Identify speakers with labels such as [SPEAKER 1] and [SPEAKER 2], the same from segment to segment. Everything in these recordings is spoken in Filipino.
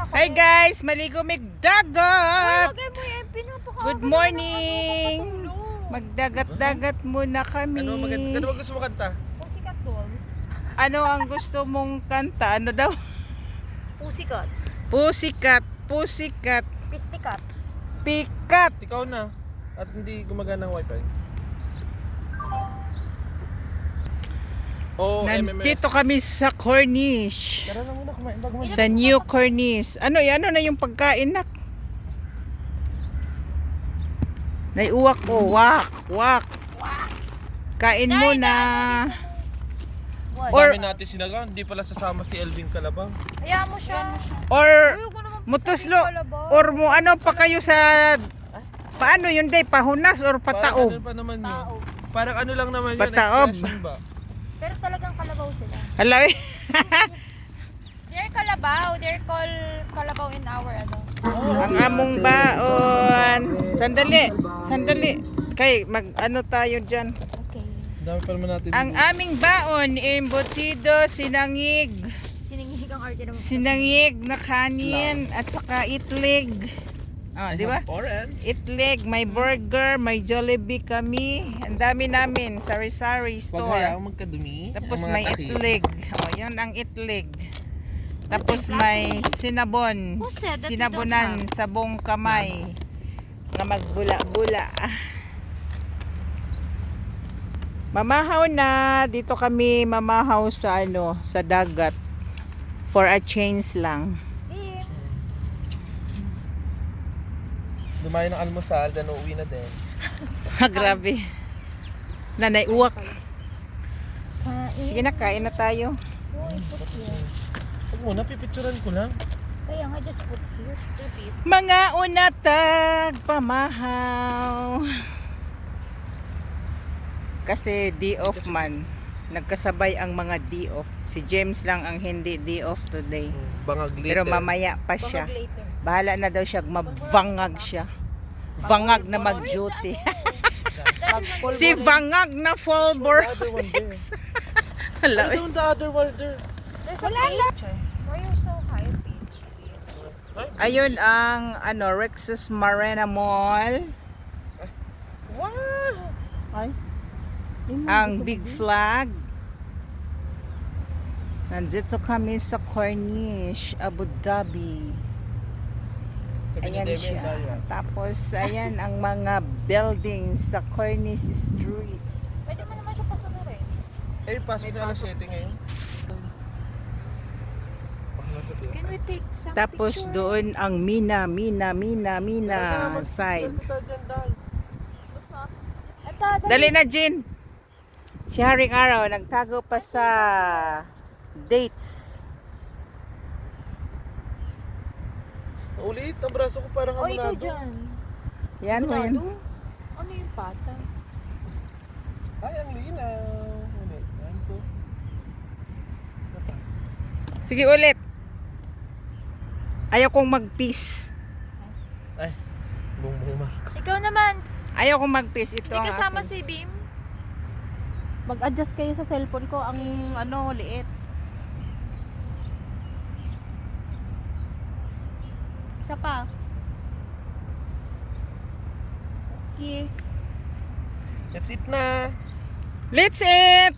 [SPEAKER 1] Hi guys, maligo mig dagat.
[SPEAKER 2] Lagay mo yung pinapakain.
[SPEAKER 1] Good morning. Magdagat-dagat muna kami.
[SPEAKER 3] Ano ba gusto mo kanta?
[SPEAKER 2] Pussycat Dolls.
[SPEAKER 1] Ano ang gusto mong kanta? Ano daw?
[SPEAKER 2] Pussycat.
[SPEAKER 1] Pussycat, pussycat,
[SPEAKER 2] Pisticats.
[SPEAKER 1] pikat.
[SPEAKER 3] Ikaw na. At hindi gumagana ng wifi. Oh,
[SPEAKER 1] Nandito
[SPEAKER 3] MMS.
[SPEAKER 1] kami sa Corniche.
[SPEAKER 3] Tara na muna kumain bago
[SPEAKER 1] Sa New Corniche. Ano na yung pagkain nak? Naiuwak ko. Wak. Kain muna.
[SPEAKER 3] Or
[SPEAKER 1] Or
[SPEAKER 3] natin sinaga, hindi pala sasama si Elvin Calabang.
[SPEAKER 2] Hayaan mo siya.
[SPEAKER 1] or
[SPEAKER 2] Ayoko naman
[SPEAKER 1] mutuslo
[SPEAKER 2] palabaw.
[SPEAKER 1] or mo ano pa kayo sa paano yun day pahunas or
[SPEAKER 3] Parang
[SPEAKER 1] pataob?
[SPEAKER 3] ano pa naman yun?
[SPEAKER 2] Taob.
[SPEAKER 3] Parang ano lang naman yun,
[SPEAKER 1] Pataob.
[SPEAKER 3] expression ba?
[SPEAKER 2] Pero talagang kalabaw sila.
[SPEAKER 1] Hala eh.
[SPEAKER 2] They're kalabaw. They're called kalabaw in our ano.
[SPEAKER 1] Ang among baon. Sandali. Kay mag ano tayo diyan.
[SPEAKER 2] Okay.
[SPEAKER 3] Dami pa naman natin.
[SPEAKER 1] Ang aming baon embutido, sinangig na kanin at saka itlig. Ah, di ba?
[SPEAKER 3] Orange.
[SPEAKER 1] Itlig, may burger, may Jollibee kami. Ang dami namin, sari-sari
[SPEAKER 3] Huwag
[SPEAKER 1] store.
[SPEAKER 3] hayaang magkadumi.
[SPEAKER 1] Tapos
[SPEAKER 3] ang mga
[SPEAKER 1] may
[SPEAKER 3] taki.
[SPEAKER 1] itlig. Oh, yan ang itlig. Tapos may sinabon.
[SPEAKER 2] Who said that we
[SPEAKER 1] Sinabonan sabong kamay. Nga magbula-bula. Mamahaw na. Dito kami mamahaw sa sa dagat. For a change lang.
[SPEAKER 3] Dumayo ng almusal, then uuwi na din.
[SPEAKER 1] Grabe. Nanay uwak. Sige na, kain na tayo.
[SPEAKER 3] Huwag muna, pipicturan ko lang.
[SPEAKER 2] Kaya nga, just put here. Please.
[SPEAKER 1] Mga unatag pamahaw. Kasi day off man. Nagkasabay ang mga day off. Si James lang ang hindi day off today.
[SPEAKER 3] Bangag later.
[SPEAKER 1] Pero mamaya pa siya.
[SPEAKER 2] Bangag later.
[SPEAKER 1] Bahala na daw siya, mabangag siya. Vangag na mag-duty. Si Vangag na Fulbor.
[SPEAKER 3] The other one there.
[SPEAKER 1] Hello.
[SPEAKER 3] I don't the other one there.
[SPEAKER 2] There's a page. Why are you so high page?
[SPEAKER 1] Ayun ang Rex's Marina Mall.
[SPEAKER 2] Wow!
[SPEAKER 1] Ay. Ang Big Flag. Nandito kami sa Corniche, Abu Dhabi. Ayan siya. Tapos ayan ang mga buildings sa Corniche Street.
[SPEAKER 2] Pwede mo naman siya pasunurin.
[SPEAKER 3] Eh, pasok na alas 7 ngayon.
[SPEAKER 2] Can we take some
[SPEAKER 1] Tapos
[SPEAKER 2] picture?
[SPEAKER 1] doon ang Mina side. Dali na, Jin. Si Haring Araw nagtago pa sa dates.
[SPEAKER 3] Ulit, ang braso ko parang
[SPEAKER 2] O, ikaw
[SPEAKER 3] amunado.
[SPEAKER 2] dyan.
[SPEAKER 1] Yan mo yun.
[SPEAKER 2] Ano yung pata?
[SPEAKER 3] Ay, ang linaw. Ulit, yan to.
[SPEAKER 1] Sige ulit. Ayaw kong mag-peace.
[SPEAKER 3] Ay, bung Marco.
[SPEAKER 2] Ikaw naman.
[SPEAKER 1] Ayaw kong mag-peace. Ito
[SPEAKER 2] Hindi
[SPEAKER 1] ang
[SPEAKER 2] kasama
[SPEAKER 1] akin.
[SPEAKER 2] si Beam.
[SPEAKER 1] Mag-adjust kayo sa cellphone ko. Ang liit.
[SPEAKER 2] Isa pa. Okay.
[SPEAKER 3] That's it na.
[SPEAKER 1] Let's eat!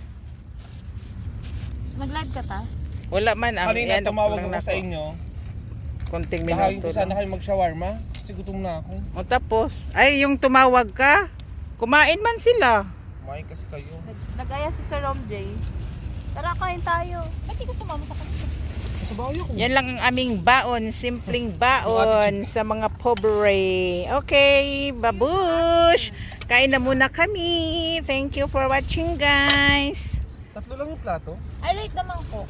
[SPEAKER 2] Nag-live ka ta?
[SPEAKER 1] Wala man. Ang
[SPEAKER 3] Kanina
[SPEAKER 1] end of
[SPEAKER 3] tumawag
[SPEAKER 1] lang
[SPEAKER 3] ako sa inyo.
[SPEAKER 1] Konting
[SPEAKER 3] Tahawin
[SPEAKER 1] minuto
[SPEAKER 3] ko sana
[SPEAKER 1] lang.
[SPEAKER 3] kayo mag-shawarma. Kasi gutom na ako.
[SPEAKER 1] O tapos, ay yung tumawag ka, kumain man sila.
[SPEAKER 3] Kumain kasi kayo.
[SPEAKER 2] Nag-aya si Sir Rom J. Tara, kain tayo. Ba't di ka sumama sa kanila?
[SPEAKER 3] Sa bahay ako.
[SPEAKER 1] Yan lang ang aming baon, simpleng baon sa mga pobre. Okay, babush! Kain na muna kami. Thank you for watching, guys.
[SPEAKER 3] Tatlo lang yung plato.
[SPEAKER 2] Ay, late naman ko.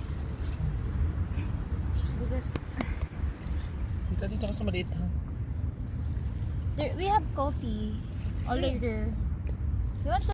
[SPEAKER 3] Dito ka sa maliit ha.
[SPEAKER 2] We have coffee. Or later. You want to